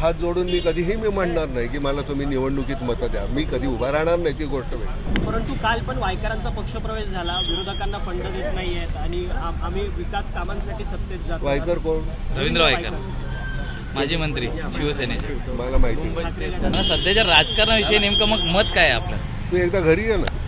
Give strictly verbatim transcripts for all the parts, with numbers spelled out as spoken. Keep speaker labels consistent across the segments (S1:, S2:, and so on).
S1: हात जोडून मी कधीही मी म्हणणार नाही की मला तुम्ही निवडणुकीत मतं द्या. मी कधी उभा राहणार नाही ती गोष्ट वेगळी.
S2: परंतु काल पण वायकरांचा पक्षप्रवेश झाला, विरोधकांना फंड देत नाही आहेत आणि आम- आम्ही विकास कामांसाठी सत्तेत जातो.
S1: वायकर कोण?
S3: रवींद्र वायकर, माजी मंत्री शिवसेनेचे.
S1: मला माहिती नाही.
S2: ठाकरे
S3: मला
S2: गटात
S3: सध्याच्या राजकारणाविषयी नेमकं मग मत काय आहे आपलं?
S1: तू एकदा घरी ये ना.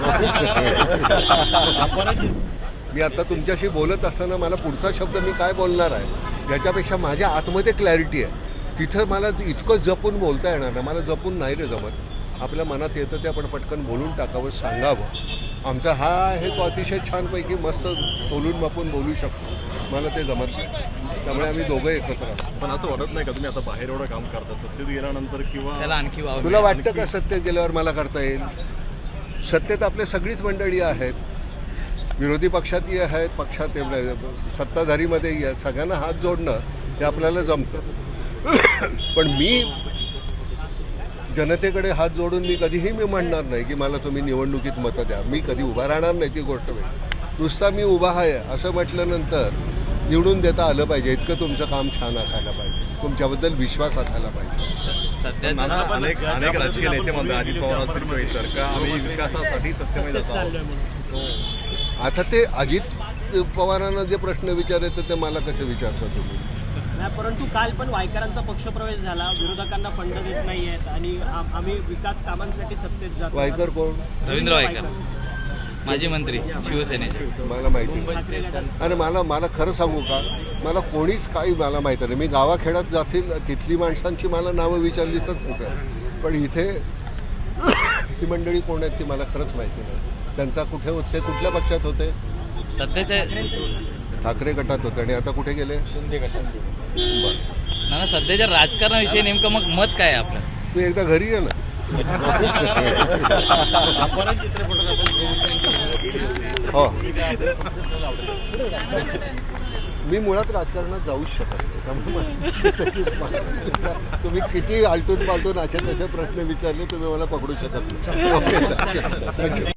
S1: मी आता तुमच्याशी बोलत असताना मला पुढचा शब्द मी काय बोलणार आहे याच्यापेक्षा माझ्या आतमध्ये क्लॅरिटी आहे. तिथं मला इतकं जपून बोलता येणार नाही. मला जपून नाही रे जमत. आपल्या मनात येतं ते आपण पटकन बोलून टाकावं, सांगावं. आमचा हा आहे तो अतिशय छानपैकी मस्त तोलून मापून बोलू शकतो. मला ते जमत नाही. त्यामुळे आम्ही दोघं एकत्र असतो.
S4: पण असं वाटत नाही का तुम्ही आता बाहेर एवढं काम करता सत्तेत गेल्यानंतर किंवा
S3: त्याला आणखी वाव
S1: तुला वाटतं का सत्तेत गेल्यावर मला करता येईल? सत्तेत आपले सगळीच मंडळी आहेत. विरोधी पक्षातही आहेत, पक्षात सत्ताधारीमध्येही आहेत. सगळ्यांना हात जोडणं हे आपल्याला जमतं. पण मी जनतेकडे हात जोडून मी कधीही मी म्हणणार नाही की मला तुम्ही निवडणुकीत मतं द्या. मी कधी उभा राहणार नाही ती गोष्ट वेगळी. नुसता मी उभा आहे असं म्हटल्यानंतर निवडून देता आलं पाहिजे. इतकं तुमचं काम छान असायला पाहिजे. तुमच्याबद्दल विश्वास असायला पाहिजे.
S3: सध्या
S4: नाना, अनेक अनेक राजकीय नेते म्हणतात अजित पवार असतील किंवा इतर का आम्ही विकासासाठी सक्षम जातो.
S2: चाललोय म्हणून.
S1: आता ते अजित पवारांना जे प्रश्न विचारायचे ते मला कसे विचारता तुम्ही?
S2: नाही, परंतु काल पण वायकरांचा पक्षप्रवेश झाला, विरोधकांना फंड देत नाही आहेत आणि आम- आम्ही विकास कामांसाठी सत्तेत जातो.
S1: वायकर कोण?
S3: रवींद्र वायकर, माजी मंत्री शिवसेनेचे.
S1: मला माहिती नाही.
S2: ठाकरे गटात
S1: आणि मला मला खरं सांगू का, मला कोणीच काही मला माहिती नाही. मी गावाखेड्यात जातील तिथली माणसांची मला नावं विचारलीच होतं. पण इथे ही मंडळी कोण आहेत ती मला खरंच माहिती नाही. त्यांचा कुठे होते, कुठल्या पक्षात होते?
S3: सध्याच्या
S1: ठाकरे गटात होते. आणि आता कुठे गेले?
S3: शिंदे गटात.
S1: बरं,
S3: ना सध्याच्या राजकारणाविषयी नेमकं मग मत काय आहे आपलं?
S1: तू एकदा घरी ये ना. हो, मी मुळात राजकारणात जाऊच शकत नाही. त्यामुळे मला- तुम्ही किती आलटून पालटून असे त्याचे प्रश्न विचारले तुम्ही मला पकडू शकत नाही. Okay, thank you.